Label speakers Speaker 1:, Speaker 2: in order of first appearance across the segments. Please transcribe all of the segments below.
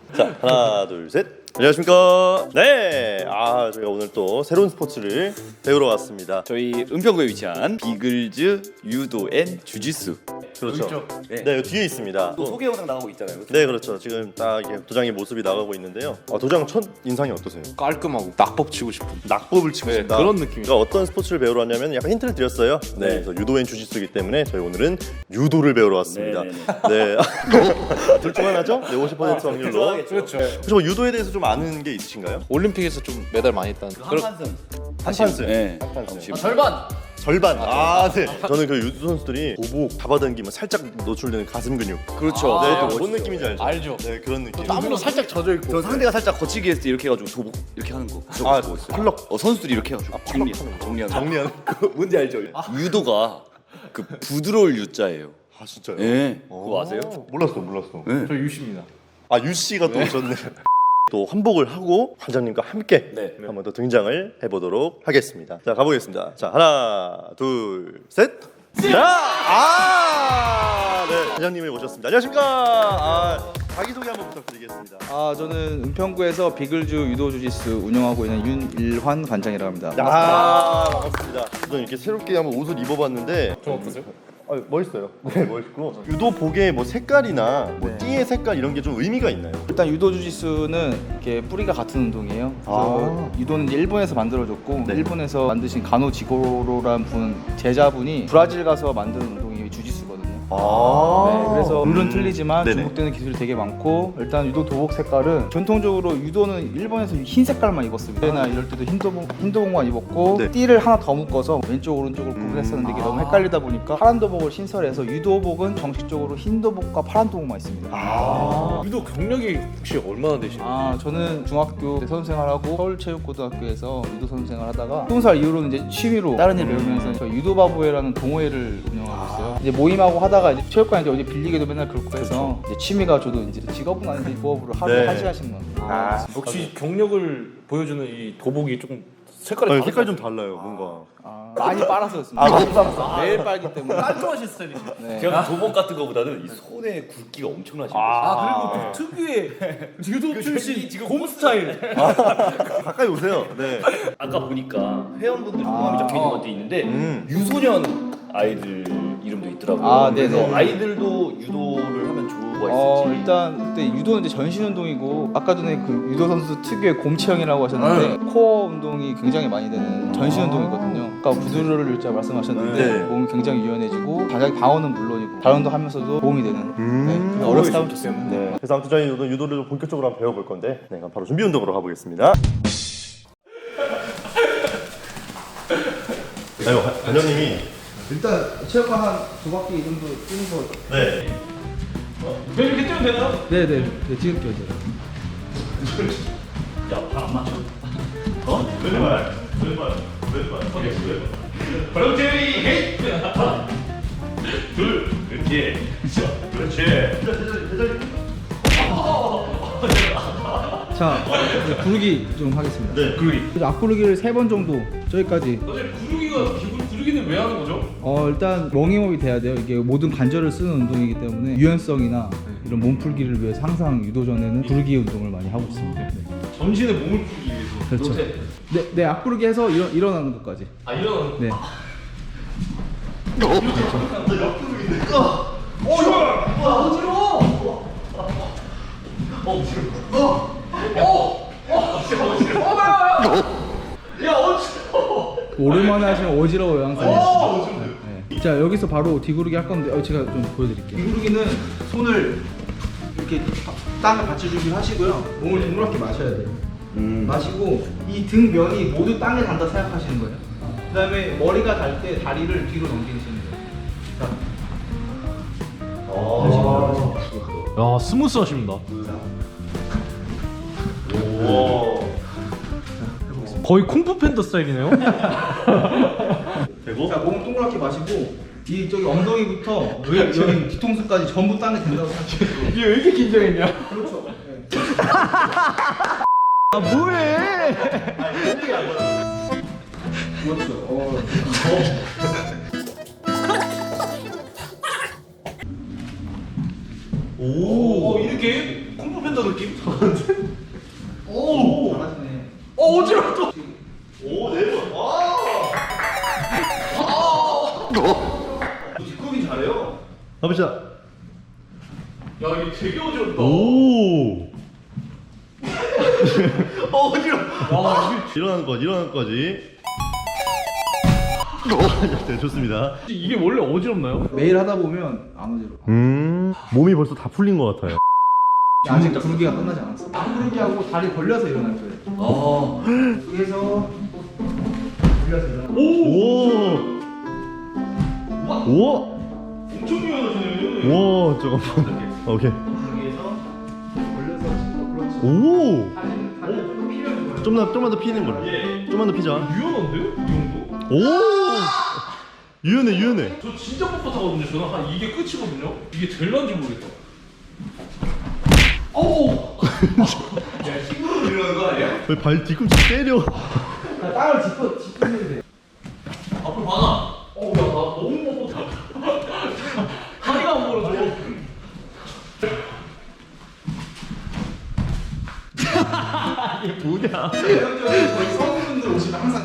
Speaker 1: 자, 하나, 둘, 셋. 안녕하십니까. 네, 저희가 오늘 또 새로운 스포츠를 배우러 왔습니다.
Speaker 2: 저희 은평구에 위치한 비글즈 유도 앤 주짓수.
Speaker 1: 그렇죠.
Speaker 2: 네.
Speaker 1: 네, 여기 뒤에 있습니다.
Speaker 2: 또 소개 영상 나가고 있잖아요.
Speaker 1: 네, 그렇죠. 지금 딱 이게 도장의 모습이 나가고 있는데요. 도장 첫 인상이 어떠세요?
Speaker 3: 깔끔하고 낙법 치고 싶은
Speaker 1: 낙법을 치고
Speaker 3: 네,
Speaker 1: 싶다.
Speaker 3: 그런 느낌이에요.
Speaker 1: 그러니까 어떤 스포츠를 배우러 왔냐면 약간 힌트를 드렸어요. 네, 그래서 유도 앤 주짓수이기 때문에 저희 오늘은 유도를 배우러 왔습니다. 네. 둘 중 하나죠? 네, 50% 확률로.
Speaker 3: 그렇죠.
Speaker 1: 혹시 뭐 유도에 대해서 좀 아는 게 있으신가요?
Speaker 3: 올림픽에서 좀 메달 많이 땄는
Speaker 2: 한판승.
Speaker 1: 한판승.
Speaker 2: 네.
Speaker 1: 한판승.
Speaker 2: 절반.
Speaker 1: 절반. 네. 저는 그 유도 선수들이 도복 잡아당기면 살짝 노출되는 가슴 근육.
Speaker 2: 그렇죠.
Speaker 1: 네, 뭔 느낌인지 알죠?
Speaker 3: 알죠.
Speaker 1: 네, 그런 느낌.
Speaker 3: 땀으로 살짝 젖어 있고.
Speaker 2: 저 상대가 살짝 거치기 했을 때 이렇게 해가지고 도복 이렇게 하는 거. 보고 있어요.
Speaker 1: 펄럭.
Speaker 2: 선수들이 이렇게 해가지고 정리하는.
Speaker 1: 정리하는.
Speaker 2: 뭔지 알죠? 유도가 그 부드러울 유자예요.
Speaker 1: 아, 진짜요?
Speaker 2: 네. 그거 아세요?
Speaker 1: 몰랐어.
Speaker 3: 저 유시입니다.
Speaker 1: 유 씨가 또 오셨네. 또 환복을 하고 관장님과 함께
Speaker 2: 네.
Speaker 1: 한번 더 등장을 해보도록 하겠습니다. 자, 가보겠습니다. 자, 하나, 둘, 셋. 자, 네, 관장님이 오셨습니다. 안녕하십니까. 자기소개 한번 부탁드리겠습니다.
Speaker 4: 저는 은평구에서 비글즈 유도 주짓수 운영하고 있는 윤일환 관장이라고 합니다.
Speaker 1: 반갑습니다. 저는 이렇게 새롭게 한번 옷을 입어봤는데
Speaker 3: 좀 어떠세요?
Speaker 1: 멋있어요. 네, 멋있고 유도복의 뭐 색깔이나 뭐
Speaker 4: 네.
Speaker 1: 띠의 색깔 이런 게 좀 의미가 있나요?
Speaker 4: 일단 유도 주짓수는 이렇게 뿌리가 같은 운동이에요. 그래서 유도는 이제 일본에서 만들어졌고
Speaker 1: 네.
Speaker 4: 일본에서 만드신 가노 지고로라는 분 제자분이 브라질 가서 만든 운동이 주짓수거든요. 네, 그래서 룰은 틀리지만
Speaker 1: 네네.
Speaker 4: 중복되는 기술이 되게 많고 일단 유도 도복 색깔은 전통적으로 유도는 일본에서 흰 색깔만 입었습니다. 그때나 이럴 때도 흰도복만 입었고
Speaker 1: 네.
Speaker 4: 띠를 하나 더 묶어서 왼쪽 오른쪽을 구분했었는데 이게 너무 헷갈리다 보니까 파란 도복을 신설해서 유도복은 정식적으로 흰 도복과 파란 도복만 있습니다.
Speaker 3: 유도 경력이 혹시 얼마나 되시나요?
Speaker 4: 저는 중학교 때 선생활하고 서울체육고등학교에서 유도 선생을 하다가 20살 이후로는 이제 취미로 다른 일 배우면서 저희 유도바보회라는 동호회를 운영하고 있어요. 이제 모임하고 하다가 이제 체육관 이제 어디 빌리기도 맨날 그렇고 해서 이제 취미가 저도 이제 직업은 아닌데 부업으로 하루에
Speaker 1: 네.
Speaker 4: 1시간씩만.
Speaker 3: 역시 경력을 보여주는 이 도복이 조금 색깔이 다르죠?
Speaker 1: 색깔 좀 달라요, 뭔가.
Speaker 4: 많이 빨았었습니다.
Speaker 1: 많이 빨았어.
Speaker 4: 매일 빨기 때문에.
Speaker 3: 깔끔하신 스타일이죠.
Speaker 4: 네.
Speaker 2: 그냥 도복 같은 거보다는 이 손에 굵기가 엄청나신
Speaker 3: 그리고 또 특유의 유도 출신 곰 스타일.
Speaker 1: 가까이 오세요. 네.
Speaker 2: 아까 보니까 회원분들 성함이 적혀 있는 것도 있는데 유소년 아이들 이름도 있더라고요.
Speaker 4: 네네.
Speaker 2: 그래서 아이들도 유도를 하면 좋아 있을지.
Speaker 4: 일단 그때 유도는 이제 전신 운동이고 아까 전에 그 유도 선수 특유의 곰체형이라고 하셨는데 코어 운동이 굉장히 많이 되는 전신 운동이거든요. 아까 부드러울 유자 말씀하셨는데
Speaker 1: 네.
Speaker 4: 몸이 굉장히 유연해지고 자기 방어는 물론이고 다른 운동 하면서도 도움이 되는. 네. 어렸을 때 하면 좋습니다.
Speaker 1: 네. 그래서 아무튼 저희 유도를 좀 본격적으로 한번 배워볼 건데, 네, 그럼 바로 준비 운동으로 가보겠습니다. 아유, 관장님이
Speaker 4: 일단 체육관 한 2바퀴 정도 뛰는 거.
Speaker 1: 네.
Speaker 3: 이렇게 뛰면 되나요?
Speaker 4: 네네. 찍을게요
Speaker 1: 왼발.
Speaker 3: 브라우테리 헤이. 둘, 그렇지.
Speaker 4: 자, 구르기 좀 하겠습니다.
Speaker 1: 네.
Speaker 3: 구르기.
Speaker 4: 앞구르기를 3번 정도 저기까지.
Speaker 3: 선생님 구르기는 왜 하는 거죠?
Speaker 4: 일단 롱잉업이 돼야 돼요. 이게 모든 관절을 쓰는 운동이기 때문에 유연성이나 이런 몸풀기를 위해서 항상 유도 전에는 구르기 운동을 많이 하고 있습니다. 네.
Speaker 3: 전신의 몸을 풀기 위해서.
Speaker 4: 그렇죠. 네, 앞구르기 해서 일어나는 것까지.
Speaker 3: 이런.
Speaker 4: 네. 오랜만에 하시면 어지러워요 항상. 네. 자, 여기서 바로 뒤구르기 할 건데 제가 좀 보여드릴게요. 뒤구르기는 손을 이렇게 땅에 받쳐 주기를 하시고요. 몸을 동그랗게 마셔야 돼요. 마시고 이 등 면이 모두 땅에 닿는다 생각하시는 거예요. 그다음에 머리가 닿을 때 다리를 뒤로 넘기시는 거예요.
Speaker 3: 야 스무스하십니다. 거의 쿵푸 팬더 스타일이네요.
Speaker 1: 되고.
Speaker 4: 자, 몸을 동그랗게 마시고 이 저기 엉덩이부터 여기 뒤통수까지 전부 땅에 닿는다고 생각하시고.
Speaker 3: 이게 왜 이렇게 긴장했냐?
Speaker 4: 그렇죠. 네.
Speaker 3: 뭐해?
Speaker 4: 그렇죠.
Speaker 3: 오 이렇게? 쿵푸 팬더 느낌?
Speaker 4: 오 잘하시네.
Speaker 3: 어지러워 또.
Speaker 1: 오, 4번.
Speaker 3: 뒷굽이 잘해요.
Speaker 1: 가보자.
Speaker 3: 야 이게 되게 어지럽다.
Speaker 1: 오.
Speaker 3: 어지러워. 와
Speaker 1: 일어나는 거지. 네, 좋습니다.
Speaker 3: 이게 원래 어지럽나요?
Speaker 4: 매일 하다 보면 안 어지러워.
Speaker 1: 몸이 벌써 다 풀린 것 같아요.
Speaker 4: 아직 구르기가 끝나지 않았어. 구르기 하고 다리 벌려서 일어날 거예요. 여기서 벌려서 일어나.
Speaker 1: 오. 오.
Speaker 3: 엄청 유연하시네요.
Speaker 1: 와, 잠깐만. 오케이.
Speaker 4: 여기에서 벌려서 치고 그렇지.
Speaker 1: 오.
Speaker 4: 다리 조금 피려는 거예요.
Speaker 1: 좀만 더 피는 걸로. 좀만 더 피자.
Speaker 3: 유연한데요? 이 정도?
Speaker 1: 오. 유연해.
Speaker 3: 저 진짜 뻣뻣하거든요. 저는 한 이게 끝이거든요. 이게 제일 난지 모르겠다. 오! 야 힘으로 일어나는 거 아니야?
Speaker 1: 왜 발 뒤꿈치 때려?
Speaker 4: 땅을 짚으면 돼.
Speaker 3: 앞으로 막아. 어우 야나 너무 뻣뻣하다. 다리가 안 벌어져.
Speaker 1: 뭐냐?
Speaker 4: 대형적인 저희 성우분들 오시면 항상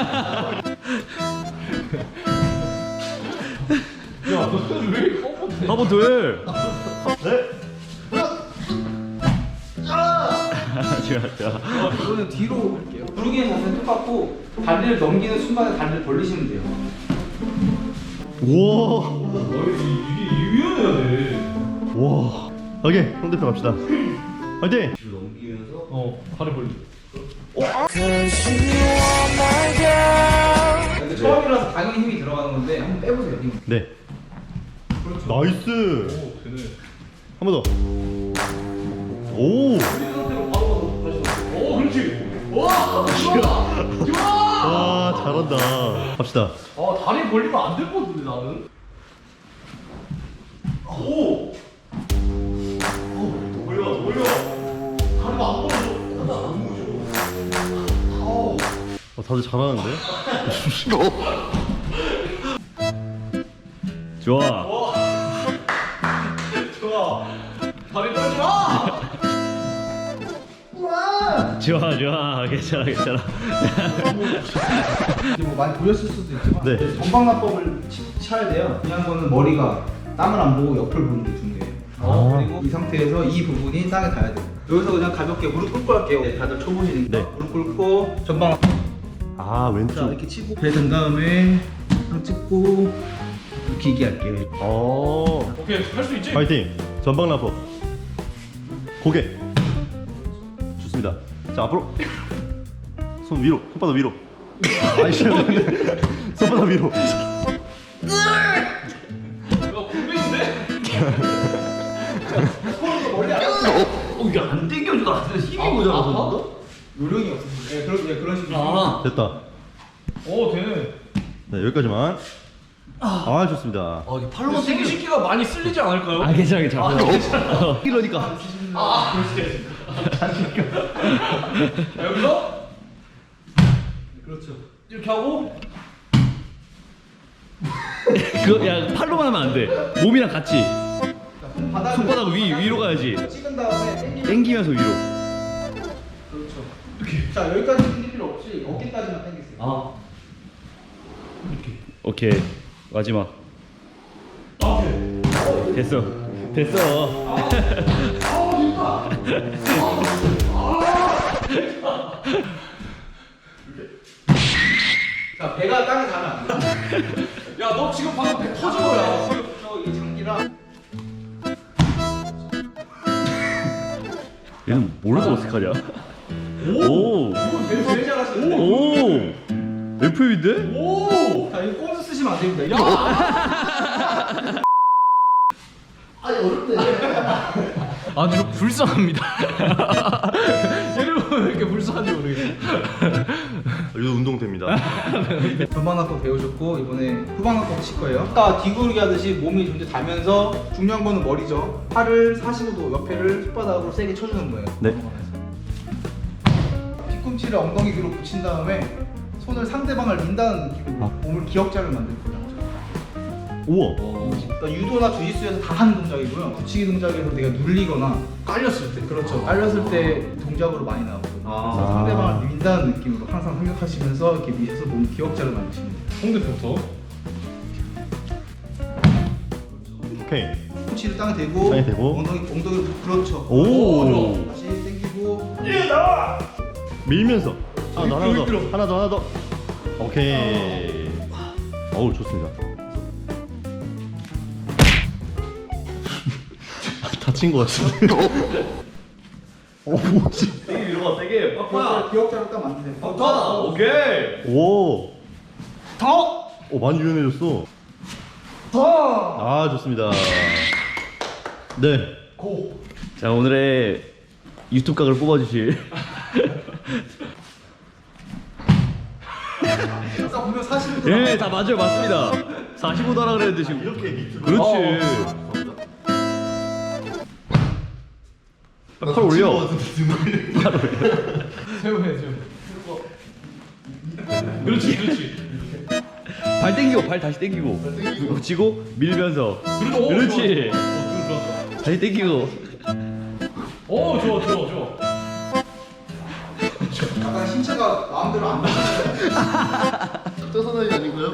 Speaker 3: 야 너는 왜 이렇게 뻣뻣해?
Speaker 1: 한번 더 해. 네. 좋아.
Speaker 4: 이거는 뒤로 할게요. 구르기의 자세는 똑같고 다리를 넘기는 순간에 다리를 벌리시면 돼요.
Speaker 1: 우와.
Speaker 3: 이게 유연해야 돼.
Speaker 1: 와. 오케이, 상대편 갑시다. 화이팅.
Speaker 3: 다리 벌리.
Speaker 4: 근데 처음이라서 당연히 힘이 들어가는 건데 한번 빼보세요. 힘.
Speaker 1: 네.
Speaker 4: 그렇죠.
Speaker 1: 나이스.
Speaker 3: 되네.
Speaker 1: 한 번 더. 오.
Speaker 3: 오 그렇지. 와 좋아. 좋아.
Speaker 1: 와, 잘한다. 갑시다.
Speaker 3: 아 다리 벌리면 안 될 것 같은데 나는. 오. 돌려. 다리가 안 벌어져. 너무
Speaker 1: 다들 잘하는데? 좋아.
Speaker 3: 좋아. 다리 떨지 마.
Speaker 1: 좋아. 괜찮아.
Speaker 4: 이제 뭐 많이 보였을 수도 있지만
Speaker 1: 네.
Speaker 4: 전방납법을 쳐야 돼요. 중요한 거는 머리가 땅을 안 보고 옆을 보는 게 중요해요. 그리고 이 상태에서 이 부분이 땅에 닿아야 돼요. 여기서 그냥 가볍게 무릎 꿇고 할게요. 네, 다들 쳐보시니까
Speaker 1: 네.
Speaker 4: 무릎 꿇고 전방
Speaker 1: 아,
Speaker 4: 자
Speaker 1: 왼쪽.
Speaker 4: 이렇게 치고 배 든 다음에 손 찍고 기기 할게요.
Speaker 3: 오케이 할 수 있지?
Speaker 1: 파이팅. 전방 라퍼. 고개. 좋습니다. 자, 앞으로. 손 위로. 손바닥 위로. 아이씨. 손바닥 위로.
Speaker 3: 야 군대인데? 이게 안 당겨져. 나 힘이 모자라서.
Speaker 4: 요령이 없으신데 그런 식으로.
Speaker 1: 됐다.
Speaker 3: 오 되네.
Speaker 1: 네, 여기까지만. 아, 좋습니다.
Speaker 3: 이게 팔로만 생식기가 많이 쓸리지 않을까요?
Speaker 1: 괜찮아.
Speaker 3: 이러니까. 그렇지. 여기서
Speaker 4: 그렇죠.
Speaker 3: 이렇게 하고
Speaker 5: 야 팔로만 하면 안 돼. 몸이랑 같이 손바닥 위로 가야지.
Speaker 4: 찍은 다음에
Speaker 5: 당기면서 위로.
Speaker 4: 그렇죠. 자 여기까지 당길 필요 없이 어깨까지만 당기세요.
Speaker 5: 오케이 마지막. 됐어.
Speaker 4: 자 배가 땅에 닿으면 안 돼.
Speaker 3: 야 너 지금 방금 배 터진 거야.
Speaker 4: 이 장기랑
Speaker 5: 얘는 모르고 어떡하냐? 오.
Speaker 4: 제일 잘하시는데.
Speaker 5: 오. FM인데?
Speaker 3: 오!
Speaker 4: 자 이거 꼼수 쓰시면 안 됩니다. 야!
Speaker 3: 아주 불쌍합니다. 여러분 왜 이렇게 불쌍한지 모르겠어요.
Speaker 1: 이거 운동됩니다.
Speaker 4: 전방납법 배우셨고 이번에 후방납법 칠 거예요. 아까 뒤구르기 하듯이 몸이 좀 더 닿으면서 중요한 거는 머리죠. 팔을 45도 옆에를 손바닥으로 세게 쳐주는 거예요.
Speaker 1: 네.
Speaker 4: 뒤꿈치를 엉덩이 뒤로 붙인 다음에 손을 상대방을 민다는 느낌으로 몸을 기역자를 만드는 거죠.
Speaker 5: 우와.
Speaker 4: 그러니까 유도나 주짓수에서 다 하는 동작이고요. 붙이기 동작에서 내가 눌리거나 깔렸을 때, 그렇죠. 깔렸을 때 동작으로 많이 나오거든요. 그래서 상대방을 민다는 느낌으로 항상 생각하시면서 이렇게 밑에서 보면 기억자를 만드시면 돼요.
Speaker 3: 홍대부터.
Speaker 1: 오케이.
Speaker 4: punch를 땅에 대고,
Speaker 1: 땅에 대고.
Speaker 4: 엉덩이 그렇죠.
Speaker 1: 오.
Speaker 4: 다시 당기고.
Speaker 1: 밀면서. 하나 더. 오케이. 어우, 좋습니다. 다친 것 같은데. 뭐지?
Speaker 2: 세게 밀어봐 세게. 빡빡.
Speaker 4: 기억자로 딱 만드세요.
Speaker 2: 빡빡. 오케이.
Speaker 1: 오.
Speaker 4: 더!
Speaker 1: 오, 많이 유연해졌어.
Speaker 4: 더!
Speaker 1: 아, 좋습니다. 네.
Speaker 5: 자, 오늘의 유튜브 각을 뽑아주실.
Speaker 4: 아까 보면 45도.
Speaker 5: 예, 다 맞아요, 맞습니다. 45도 하라 그랬는데 지금.
Speaker 1: 이렇게 밑으로.
Speaker 5: 그렇지. 팔 올려.
Speaker 3: 그렇지.
Speaker 5: 발 당기고, 발 다시 당기고. 붙이고, 밀면서. 그렇지. 다시 당기고.
Speaker 3: 오, 좋아.
Speaker 4: 약간 신체가 마음대로 안 돼.
Speaker 1: 떠서나이 아닌가요?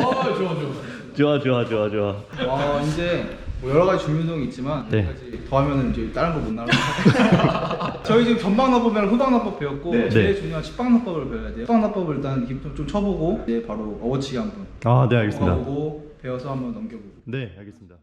Speaker 5: 좋아.
Speaker 4: 이제 뭐 여러 가지 준비 운동이 있지만
Speaker 5: 네.
Speaker 4: 더 하면은 이제 다른 거 못 나가요. 저희 지금 전방납법이랑 후방납법 배웠고 제일
Speaker 5: 네.
Speaker 4: 중요한 식방납법을 배워야 돼요. 식방납법을 일단 좀 쳐보고 이제 바로 어워치기 한번
Speaker 1: 아, 네, 알겠습니다.
Speaker 4: 배워보고 배워서 한번 넘겨보고.
Speaker 1: 네, 알겠습니다.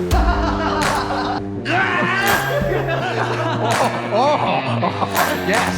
Speaker 4: 예스.